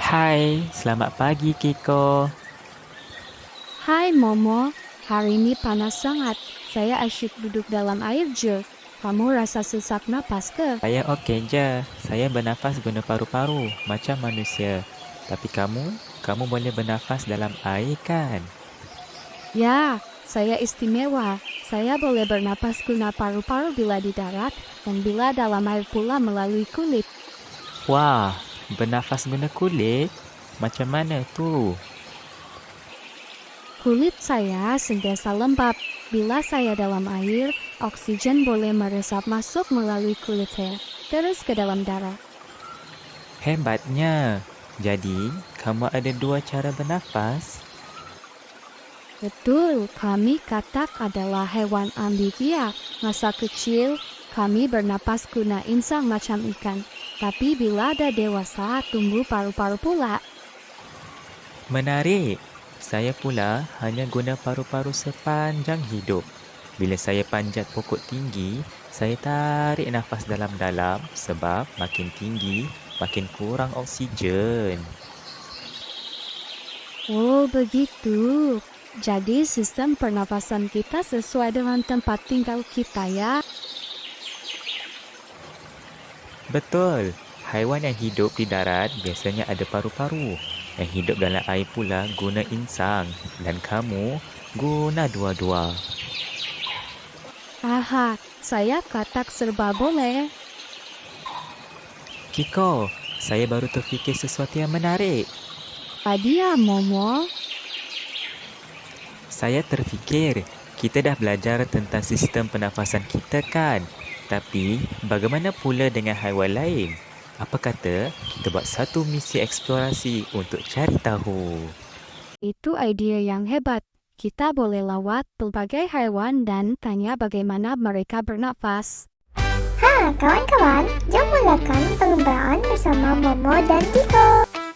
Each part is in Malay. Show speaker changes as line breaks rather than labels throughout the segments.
Hai, selamat pagi Kiko.
Hai Momo, hari ini panas sangat. Saya asyik duduk dalam air je. Kamu rasa sesak napas ke?
Saya okey je. Saya bernafas guna paru-paru macam manusia. Tapi kamu boleh bernafas dalam air kan?
Ya, saya istimewa. Saya boleh bernapas guna paru-paru bila di darat dan bila dalam air pula melalui kulit.
Wah, bernafas guna kulit? Macam mana tu?
Kulit saya sentiasa lembab. Bila saya dalam air, oksigen boleh meresap masuk melalui kulit saya, terus ke dalam darah.
Hebatnya. Jadi, kamu ada dua cara bernafas?
Betul, kami katak adalah hewan ambibia. Masa kecil, kami bernapas guna insang macam ikan. Tapi bila ada dewasa, tumbuh paru-paru pula.
Menarik. Saya pula hanya guna paru-paru sepanjang hidup. Bila saya panjat pokok tinggi, saya tarik nafas dalam-dalam sebab makin tinggi, makin kurang oksigen.
Oh, begitu. Jadi sistem pernafasan kita sesuai dengan tempat tinggal kita ya.
Betul. Haiwan yang hidup di darat biasanya ada paru-paru. Yang hidup dalam air pula guna insang. Dan kamu guna dua-dua.
Aha, saya katak serba boleh.
Kiko, saya baru terfikir sesuatu yang menarik.
Adia Momo,
Saya terfikir, kita dah belajar tentang sistem pernafasan kita kan? Tapi, bagaimana pula dengan haiwan lain? Apa kata kita buat satu misi eksplorasi untuk cari tahu?
itu idea yang hebat. Kita boleh lawat pelbagai haiwan dan tanya bagaimana mereka bernafas.
Kawan-kawan, jom mulakan pengembaraan bersama Momo dan Kiko.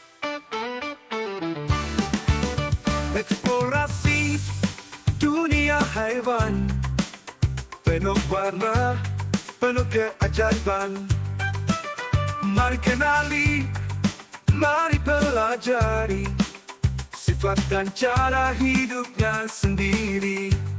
Eksplorasi dunia haiwan, penuh warna, penuh keajaiban. Mari kenali, mari pelajari sifat dan cara hidupnya sendiri.